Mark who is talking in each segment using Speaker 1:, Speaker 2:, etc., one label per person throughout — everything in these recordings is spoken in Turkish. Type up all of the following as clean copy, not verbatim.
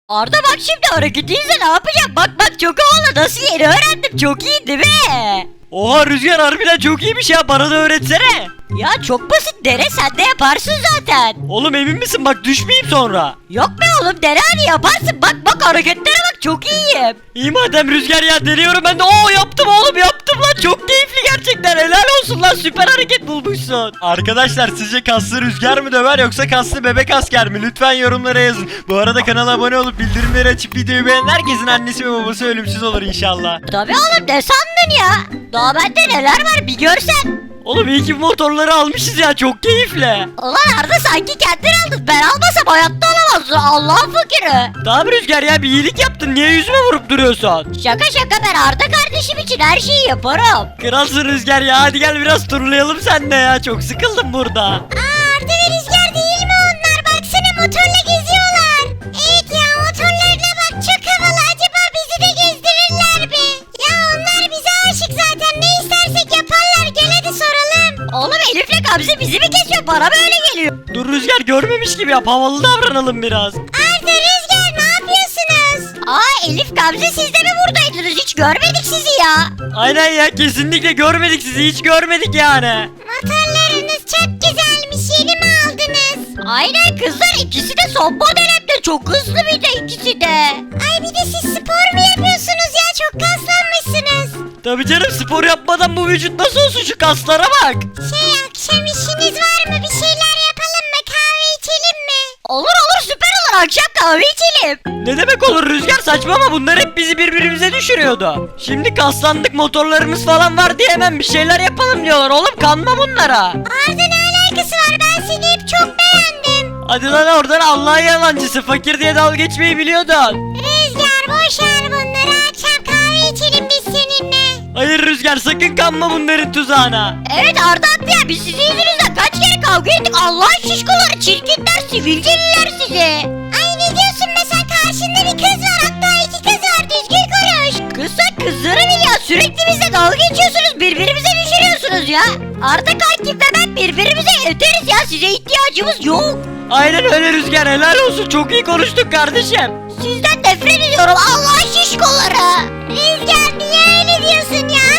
Speaker 1: Arda bak şimdi hareketiyse ne yapacağım? Bak bak çok havalı, nasıl yeni öğrendim, çok iyi değil mi?
Speaker 2: Oha Rüzgar harbiden çok iyiymiş ya, bana da öğretsene.
Speaker 1: Ya çok basit, dene sen de yaparsın zaten.
Speaker 2: Oğlum emin misin, bak düşmeyeyim sonra.
Speaker 1: Yok be oğlum, dene hadi yaparsın, bak bak hareketlere bak, çok iyiyim.
Speaker 2: İyi madem Rüzgar ya, deniyorum ben de. Oo yaptım oğlum, yaptım lan, çok keyifli gerçekten, helal olsun lan, süper hareket bulmuşsun. Arkadaşlar sizce kaslı Rüzgar mı döver yoksa kaslı bebek asker mi? Lütfen yorumlara yazın. Bu arada kanala abone olup bildirimleri açıp videoyu beğenen herkesin annesi ve babası ölümsüz olur inşallah.
Speaker 1: Tabii oğlum, ne sandın ya? Daha bende neler var bir görsen.
Speaker 2: Oğlum iyi ki bu motorları almışız ya, çok keyifli.
Speaker 1: Ulan Arda sanki kendin aldın, ben almasam hayatta alamazsın, Allah'ın fakiri.
Speaker 2: Tamam Rüzgar ya, bir iyilik yaptın, niye yüzüme vurup duruyorsun?
Speaker 1: Şaka şaka, ben Arda kardeşim için her şeyi yaparım.
Speaker 2: Kralsın Rüzgar ya, hadi gel biraz turlayalım seninle ya, çok sıkıldım burada.
Speaker 1: Arda ve Rüzgar değil mi onlar? Baksana motorla geziyorlar. Evet ya, motorlarına bak, çok havalı. Acaba bizi de gezdirirler mi? Ya onlar bize aşık zaten, ne istersek yaparlar. Gel hadi soralım. Oğlum Elif'le Gamze bizi mi kesiyor? Bana böyle geliyor.
Speaker 2: Dur Rüzgar, görmemiş gibi yap, havalı davranalım biraz.
Speaker 1: Arda, Rüzgar ne yapıyorsunuz? Aa Elif, Gamze siz de mi buradaydınız? Hiç görmedik sizi ya.
Speaker 2: Aynen ya, kesinlikle görmedik sizi, hiç görmedik yani.
Speaker 1: Motorlarınız çok güzelmiş, yeni mi aldınız? Aynen kızlar, ikisi de son model, hem de çok hızlı bir de ikisi de. Ay bir de siz spor mu yapıyorsunuz ya, çok kaslanmışsınız.
Speaker 2: Tabii canım, spor yapmadan bu vücut nasıl olsun, şu kaslara bak.
Speaker 1: Akşam işiniz var mı, bir şeyler yapalım mı, kahve içelim mi? Olur olur, süper olur, akşam kahve içelim.
Speaker 2: Ne demek olur Rüzgar, saçmalama, bunlar hep bizi birbirimize düşürüyordu. Şimdi kaslandık, motorlarımız falan var diye hemen bir şeyler yapalım diyorlar, oğlum kanma bunlara.
Speaker 1: Arda ne alakası var, ben seni hep çok beğendim.
Speaker 2: Hadi lan oradan, Allah'ın yalancısı, fakir diye dalga geçmeyi biliyordun.
Speaker 1: Rüzgar boş ver bunları, akşam kahve içelim biz seninle.
Speaker 2: Hayır Rüzgar, sakın kanma bunların tuzağına.
Speaker 1: Evet Arda haklı ya, biz sizin yüzünüzden kaç kere kavga ettik, Allah'ın şişkoları, çirkinler, sivilceliler sizi. Ay ne diyorsun be, sen karşında bir kız var, hatta iki kız var, düzgün konuş. Kızsak kızları bil ya, sürekli bizle dalga geçiyorsunuz, birbirimize düşürüyorsunuz ya. Arda kankim ve ben birbirimize yeteriz ya, size ihtiyacımız yok.
Speaker 2: Aynen öyle Rüzgar, helal olsun, çok iyi konuştuk kardeşim.
Speaker 1: Sizden nefret ediyorum, Allah'ın şişkoları. Rüzgar niye öyle diyorsun ya?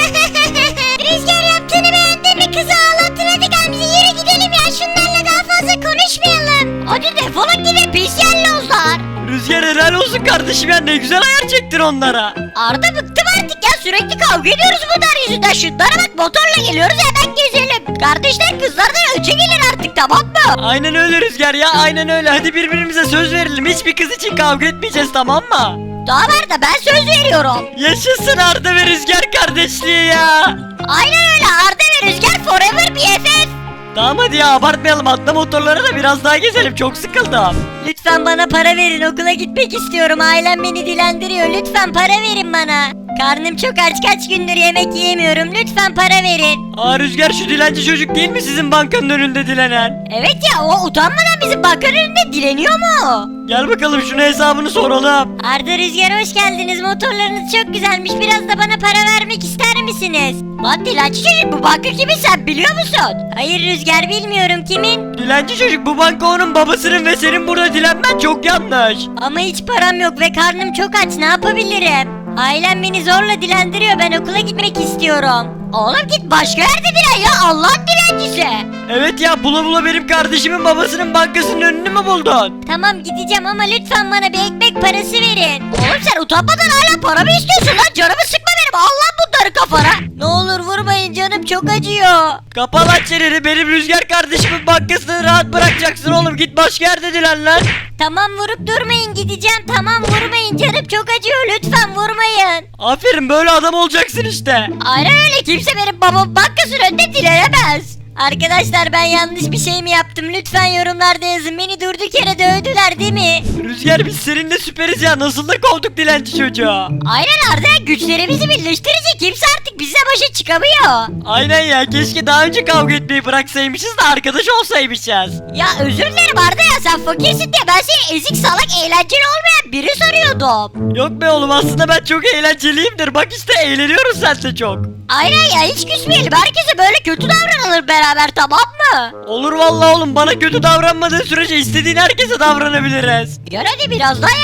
Speaker 1: Rüzgar yaptığını beğendin mi, kızı ağlattın, hadi Gamze yürü gidelim ya, şunlarla daha fazla konuşmayalım. Hadi defolun gidin pis yellozlar.
Speaker 2: Rüzgar helal olsun kardeşim ya, ne güzel ayar çektin onlara.
Speaker 1: Arda bıktım artık ya, sürekli kavga ediyoruz bunlar yüzünden. Şunlara bak, motorla geliyoruz, hemen gezelim. Kardeşler kızlardan önce gelin artık, tamam mı?
Speaker 2: Aynen öyle Rüzgar ya, aynen öyle, hadi birbirimize söz verelim, hiçbir kız için kavga etmeyeceğiz, tamam mı?
Speaker 1: Daha var da ben söz veriyorum.
Speaker 2: Yaşasın Arda ve Rüzgar kardeşliği ya.
Speaker 1: Aynen öyle, Arda ve Rüzgar forever BFF.
Speaker 2: Tamam hadi ya, abartmayalım, atla motorlara da biraz daha gezelim, çok sıkıldım.
Speaker 1: Lütfen bana para verin, okula gitmek istiyorum, ailem beni dilendiriyor, lütfen para verin bana. Karnım çok aç, kaç gündür yemek yiyemiyorum, lütfen para verin.
Speaker 2: Aa Rüzgar, şu dilenci çocuk değil mi sizin bankanın önünde dilenen?
Speaker 1: Evet ya, o utanmadan bizim bankanın önünde dileniyor mu?
Speaker 2: Gel bakalım şuna hesabını soralım.
Speaker 1: Arda, Rüzgar hoş geldiniz, motorlarınız çok güzelmiş, biraz da bana para vermek ister misiniz? Lan dilenci çocuk, bu banka kimin sen biliyor musun? Hayır Rüzgar, bilmiyorum kimin.
Speaker 2: Dilenci çocuk, bu banka onun babasının ve senin burada dilenmen çok yanlış.
Speaker 1: Ama hiç param yok ve karnım çok aç, ne yapabilirim? Ailem beni zorla dilendiriyor, ben okula gitmek istiyorum. Oğlum git başka yerde dilen ya, Allah'ın dilencisi.
Speaker 2: Evet ya, bula bula benim kardeşimin babasının bankasının önünü mü buldun?
Speaker 1: Tamam gideceğim ama lütfen bana bir ekmek parası verin. Oğlum sen utanmadan hala para mı istiyorsun lan? Canımı sıkma benim, al lan bunları kafana. Ne olur vurmayın, canım çok acıyor.
Speaker 2: Kapa lan çeneni, benim Rüzgar kardeşimin bankasını rahat bırakacaksın oğlum, git başka yerde dilen lan.
Speaker 1: Tamam vurup durmayın, gideceğim, tamam vurmayın, canım çok acıyor, lütfen vurmayın.
Speaker 2: Aferin, böyle adam olacaksın işte.
Speaker 1: Aynen öyle, kimse benim babam bankasının önünde dilenemez. Arkadaşlar ben yanlış bir şey mi yaptım? Lütfen yorumlarda yazın. Beni durduk yere dövdüler değil mi?
Speaker 2: Rüzgar biz seninle süperiz ya, nasıl da kovduk dilenci çocuğu.
Speaker 1: Aynen Arda, güçlerimizi birleştirince kimse artık bize başa çıkamıyor.
Speaker 2: Aynen ya, keşke daha önce kavga etmeyi bıraksaymışız da arkadaş olsaymışız.
Speaker 1: Ya özür dilerim Arda ya, sen fakirsin diye ben seni ezik salak eğlenceli olmayan biri sanıyordum.
Speaker 2: Yok be oğlum, aslında ben çok eğlenceliyimdir, bak işte eğleniyoruz sen de çok.
Speaker 1: Aynen ya, hiç küsmeyelim, herkese böyle kötü davranılır beraber, tamam mı?
Speaker 2: Olur vallahi oğlum, bana kötü davranmadığın sürece istediğin herkese davranabiliriz.
Speaker 1: Gel hadi biraz daha yaramaz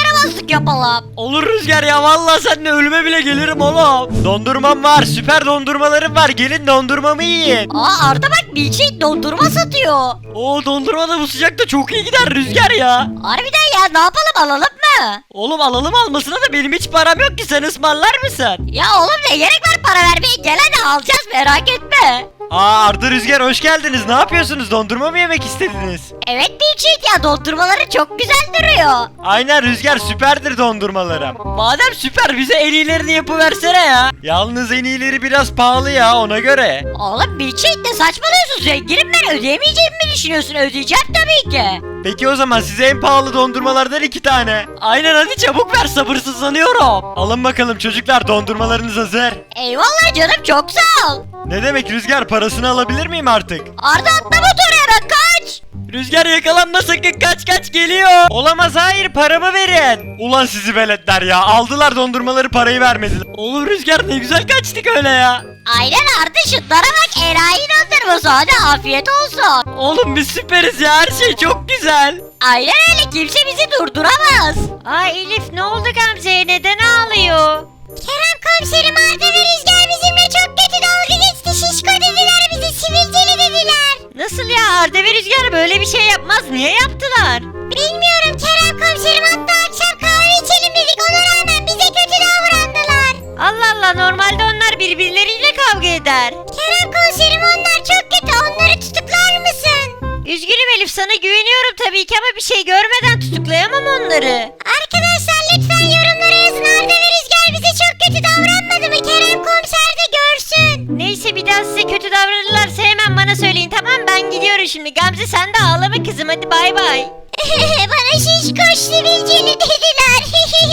Speaker 1: çocuk yapalım.
Speaker 2: Olur Rüzgar ya, vallahi seninle ölüme bile gelirim oğlum. Dondurmam var, süper dondurmalarım var, gelin dondurmamı yiyin.
Speaker 1: Aa Arda bak milkshake dondurma satıyor.
Speaker 2: Oo, dondurma da bu sıcakta çok iyi gider Rüzgar ya.
Speaker 1: Harbiden ya, ne yapalım, alalım mı?
Speaker 2: Oğlum alalım, almasına da benim hiç param yok ki, sen ısmarlar mısın?
Speaker 1: Ya oğlum ne gerek var para vermeye, gel hadi alacağız, merak etme.
Speaker 2: Aa, Arda, Rüzgar hoş geldiniz, ne yapıyorsunuz, dondurma mı yemek istediniz?
Speaker 1: Evet milkshake ya, dondurmaları çok güzel duruyor.
Speaker 2: Aynen Rüzgar, süperdir dondurmalarım. Madem süper, bize en iyilerini yapıversene ya. Yalnız en iyileri biraz pahalı ya, ona göre.
Speaker 1: Oğlum milkshake ne saçmalıyorsun, zenginim ben, ödeyemeyeceğimi mi düşünüyorsun? Ödeyeceğim tabii ki.
Speaker 2: Peki o zaman size en pahalı dondurmalardan 2 tane. Aynen, hadi çabuk ver, sabırsızlanıyorum. Alın bakalım çocuklar, dondurmalarınız hazır.
Speaker 1: Eyvallah canım, çok sağ ol.
Speaker 2: Ne demek Rüzgar, parasını alabilir miyim artık?
Speaker 1: Arda atla motoru hemen, kaç.
Speaker 2: Rüzgar yakalanma sakın, kaç kaç geliyor. Olamaz, hayır, paramı verin. Ulan sizi veletler ya, aldılar dondurmaları, parayı vermediler. Oğlum Rüzgar ne güzel kaçtık öyle ya.
Speaker 1: Aynen Arda, şutlara bak, enayi dondurması, hadi afiyet olsun.
Speaker 2: Oğlum biz süperiz ya, her şey çok güzel.
Speaker 1: Aynen öyle, kimse bizi durduramaz. Ay Elif, ne oldu Gamze'ye, neden ağlıyor? Kerem komiserim, Arda ve Rüzgar bizimle çok kötü dalga geçti, şişko dediler, bizi sivilceli dediler. Nasıl ya, Arda ve Rüzgar böyle bir şey yapmaz, niye yaptılar? Bilmiyorum Kerem komiserim, hatta akşam kahve içelim dedik, ona rağmen bize kötü davrandılar. Allah Allah, normalde onlar birbirleriyle kavga eder. Kerem komiserim, onlar çok kötü, onları tutuklar mısın? Üzgünüm Elif, sana güveniyorum tabii ki ama bir şey görmeden tutuklayamam onları. Arkadaşlar lütfen yorumlara yazın, Arda ve Rüzgar bize çok kötü davranmadı mı? Kerem komiser de görsün. Neyse, bir daha size kötü davranırlarsa hemen bana söyleyin, tamam, ben gidiyorum şimdi. Gamze sen de ağlama kızım, hadi bay bay. Bana şişkoş sivilceli dediler.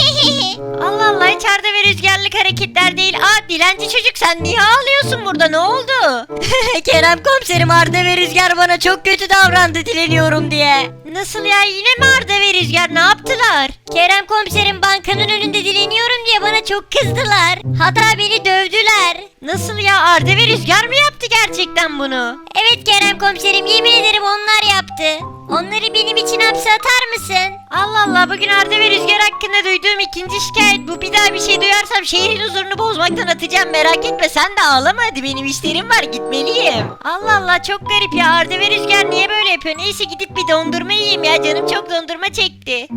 Speaker 1: Allah Allah, hiç Arda ve Rüzgarlık hareketler değil. Aa dilenci çocuk, sen niye ağlıyorsun burada, ne oldu? Kerem komiserim, Arda ve Rüzgar bana çok kötü davrandı dileniyorum diye. Nasıl ya, yine mi Arda ve Rüzgar, ne yaptılar? Kerem komiserim, bankanın önünde dileniyorum diye bana çok kızdılar. Hatta beni dövdüler. Nasıl ya, Arda ve Rüzgar mı yaptı gerçekten bunu? Evet Kerem komiserim, yemin ederim onlar yaptı. Onları benim için hapse atar mısın? Allah Allah, bugün Arda ve Rüzgar hakkında duyduğum ikinci şikayet bu. Bir daha bir şey duyarsam şehrin huzurunu bozmaktan atacağım, merak etme, sen de ağlama hadi, benim işlerim var, gitmeliyim. Allah Allah, çok garip ya, Arda ve Rüzgar niye böyle yapıyor? Neyse, gidip bir dondurma yiyeyim ya, canım çok dondurma çekti.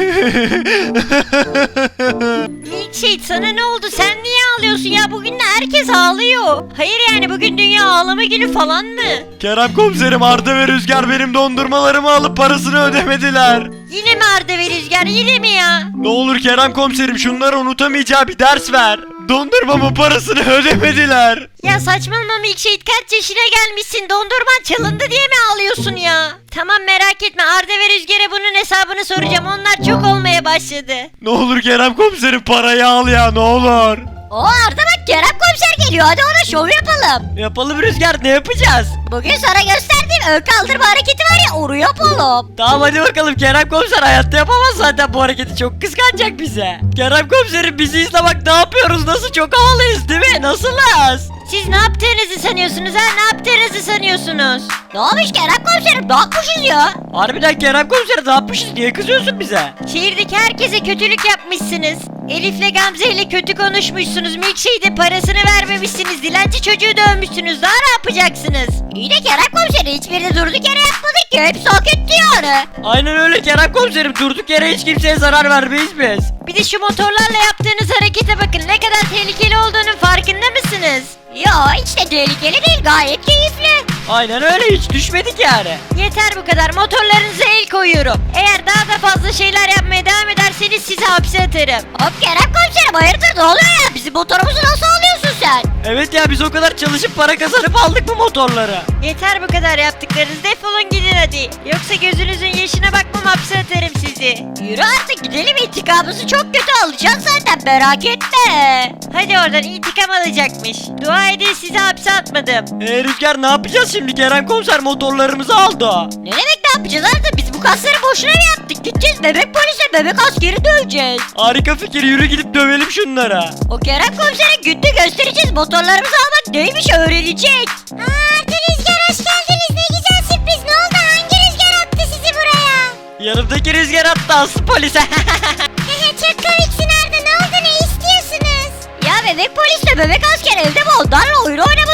Speaker 1: Milkshake, sana ne oldu, sen niye ağlıyorsun ya? Bugün de herkes ağlıyor. Hayır yani, bugün dünya ağlama günü falan mı?
Speaker 2: Kerem komiserim, Arda ve Rüzgar benim dondurmalarımı alıp parasını ödemediler.
Speaker 1: Yine mi Arda ve Rüzgar, yine mi ya?
Speaker 2: Ne olur Kerem komiserim, şunları unutamayacağı bir ders ver. Dondurmamın parasını ödemediler.
Speaker 1: Ya saçmalama Milkshake, kaç yaşına gelmişsin, dondurman çalındı diye mi ağlıyorsun ya? Tamam, merak etme, Arda ve Rüzgar'a bunun hesabını soracağım, onlar çok olmaya başladı.
Speaker 2: Ne olur Kerem komiserim, parayı al ya, ne olur.
Speaker 1: O Arda bak, Kerem komiser geliyor, hadi ona şov yapalım.
Speaker 2: Yapalım Rüzgar, ne yapacağız?
Speaker 1: Bugün sana gösterdiğim ön kaldırma hareketi var ya, onu yapalım.
Speaker 2: Tamam hadi bakalım, Kerem komiser hayatta yapamaz zaten bu hareketi, çok kıskanacak bize. Kerem komiserim bizi izle bak, ne yapıyoruz, nasıl çok havalıyız değil mi, nasılız?
Speaker 1: Siz ne yaptığınızı sanıyorsunuz ha, ne yaptığınızı sanıyorsunuz? Ne olmuş Kerem komiserim, ne yapmışız ya?
Speaker 2: Harbiden Kerem komiser, ne yapmışız, niye kızıyorsun bize?
Speaker 1: Şehirdeki herkese kötülük yapmışsınız. Elif'le Gamze ile kötü konuşmuşsunuz. Milkshake'de parasını vermemişsiniz. Dilenci çocuğu dövmüşsünüz. Daha ne yapacaksınız? İyi de Kerem komiseri, hiçbirini durduk yere yapmadık ki. Hepsi hak etti yani.
Speaker 2: Aynen öyle Kerem komiserim, durduk yere hiç kimseye zarar vermeyiz biz.
Speaker 1: Bir de şu motorlarla yaptığınız harekete bakın. Ne kadar tehlikeli olduğunun farkında mısınız? Yo, hiç de tehlikeli değil, gayet keyifli.
Speaker 2: Aynen öyle, hiç düşmedik yani.
Speaker 1: Yeter bu kadar, motorlarınıza el koyuyorum. Eğer daha da fazla şeyler yapmaya devam ederseniz sizi hapse atarım. Hop Kerem komiserim, hayırdır, ne oluyor ya? Bizim motorumuzu nasıl alıyorsun sen?
Speaker 2: Evet ya, biz o kadar çalışıp para kazanıp aldık bu motorları.
Speaker 1: Yeter bu kadar yaptıklarınız, defolun gidin hadi. Yoksa gözünüzün yaşına bakmam, hapse atarım sizi. Yürü artık gidelim, intikamımızı çok kötü alacağız zaten, merak etme. Hadi oradan, intikam alacakmış. Dua edin sizi hapse atmadım.
Speaker 2: Rüzgar ne yapacağız şimdi, Kerem komiser motorlarımızı aldı.
Speaker 1: Ne demek ne yapacağız artık, biz bu kasları boşuna mı yaptık? Gideceğiz bebek polise, bebek askeri döveceğiz.
Speaker 2: Harika fikir, yürü gidip dövelim şunlara.
Speaker 1: O Kerem komisere günde göstereceğiz, motorlarımızı almak neymiş öğrenecek. Arda Rüzgar, hoş geldiniz, ne güzel sürpriz, ne oldu, hangi rüzgar attı sizi buraya?
Speaker 2: Yanımdaki Rüzgar attı, aslı polise.
Speaker 1: Çok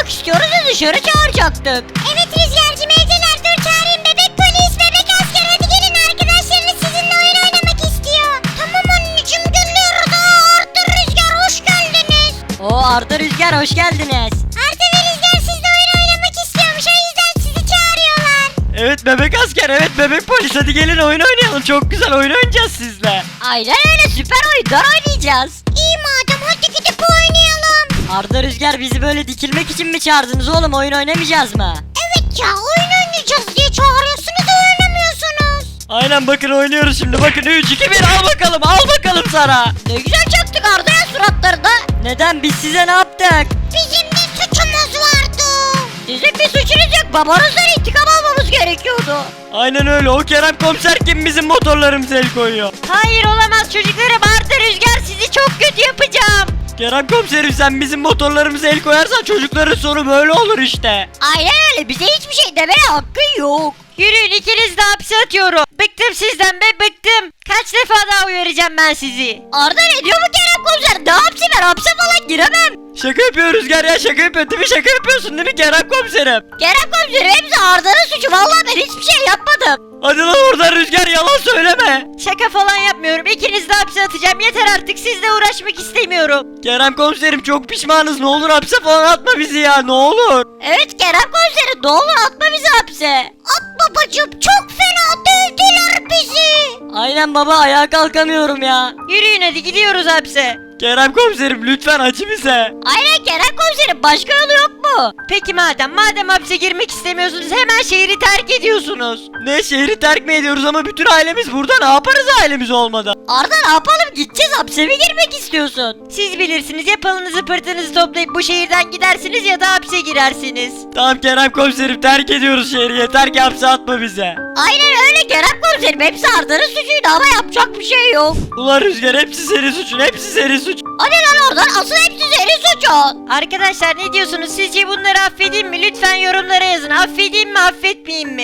Speaker 1: oynamak istiyoruz da dışarı çağıracaktık. Evet Rüzgar'cığım evdeler, dur çağırayım. Bebek polis, bebek asker, hadi gelin, arkadaşlarınız sizinle oyun oynamak istiyor. Tamam anneciğim geliyoruz. Arda, Rüzgar hoş geldiniz.
Speaker 3: Oo Arda Rüzgar hoş geldiniz.
Speaker 1: Arda ve Rüzgar sizle oyun oynamak istiyormuş, o yüzden sizi çağırıyorlar.
Speaker 2: Evet bebek asker, evet bebek polis, hadi gelin oyun oynayalım. Çok güzel oyun oynayacağız sizle.
Speaker 3: Aynen öyle, süper oyunlar oynayacağız.
Speaker 1: İyi madem, hadi gidip oynayalım.
Speaker 3: Arda Rüzgar bizi böyle dikilmek için mi çağırdınız oğlum, oyun oynamayacağız mı?
Speaker 1: Evet ya, oyun oynayacağız diye çağırıyorsunuz da oynamıyorsunuz.
Speaker 2: Aynen bakın oynuyoruz şimdi. Bakın 3 2 1 al bakalım. Al bakalım sana.
Speaker 1: Ne güzel çaktık Arda'ya suratlarında.
Speaker 3: Neden, biz size ne yaptık?
Speaker 1: Bizim de suçumuz vardı.
Speaker 3: Sizin bir suçunuz yok, babanızdan intikam almamız gerekiyordu.
Speaker 2: Aynen öyle. O Kerem komiser kim bizim motorlarımıza el koyuyor?
Speaker 3: Hayır olamaz çocuklarım, Arda Rüzgar sizi çok kötü yapacağım.
Speaker 2: Kerem komiserim sen bizim motorlarımıza el koyarsan çocukların sonu böyle olur işte.
Speaker 1: Aynen öyle, bize hiçbir şey demeye hakkın yok.
Speaker 3: Yürüyün, ikiniz de hapse atıyorum. Bıktım sizden be, bıktım. Kaç defa daha uyaracağım ben sizi.
Speaker 1: Arda ne diyor bu Kerem komiser? Ne hapsi, ben hapse falan giremem.
Speaker 2: Şaka yapıyor Rüzgar ya, şaka yapıyor değil mi? Şaka yapıyorsun değil mi Kerem komiserim?
Speaker 1: Kerem komiserim hepsi Arda'nın suçu, vallahi ben hiçbir şey yapmadım.
Speaker 2: Hadi lan oradan Rüzgar, yalan söyleme.
Speaker 3: Şaka falan yapmıyorum. İkiniz de hapse atacağım. Yeter artık, sizle uğraşmak istemiyorum.
Speaker 2: Kerem komiserim çok pişmanız, ne olur hapse falan atma bizi ya, ne olur.
Speaker 1: Evet Kerem komiserim, ne olur atma bizi hapse. At babacım, çok fena dövdüler bizi.
Speaker 3: Aynen baba, ayağa kalkamıyorum ya. Yürüyün hadi, gidiyoruz hapse.
Speaker 2: Kerem komiserim lütfen acı bize.
Speaker 1: Aynen Kerem komiserim, başka yolu yok mu?
Speaker 3: Peki madem hapse girmek istemiyorsunuz, hemen şehri terk ediyorsunuz.
Speaker 2: Ne, şehri terk mi ediyoruz ama bütün ailemiz burada, ne yaparız ailemiz olmadan?
Speaker 1: Arda ne yapalım, gideceğiz, hapse mi girmek istiyorsun?
Speaker 3: Siz bilirsiniz, ya pılınızı pırtınızı toplayıp bu şehirden gidersiniz ya da hapse girersiniz.
Speaker 2: Tamam Kerem komiserim terk ediyoruz şehri, yeter ki hapse atma bize.
Speaker 1: Aynen öyle Kerem komiserim, hepsi Arda'nın suçuydu ama yapacak bir şey yok.
Speaker 2: Ulan Rüzgar hepsi senin suçun, hepsi senin suçun.
Speaker 1: Hadi lan oradan, asıl hepsi senin suçun.
Speaker 3: Arkadaşlar ne diyorsunuz? Sizce bunları affedeyim mi? Lütfen yorumlara yazın. Affedeyim mi, affetmeyeyim mi?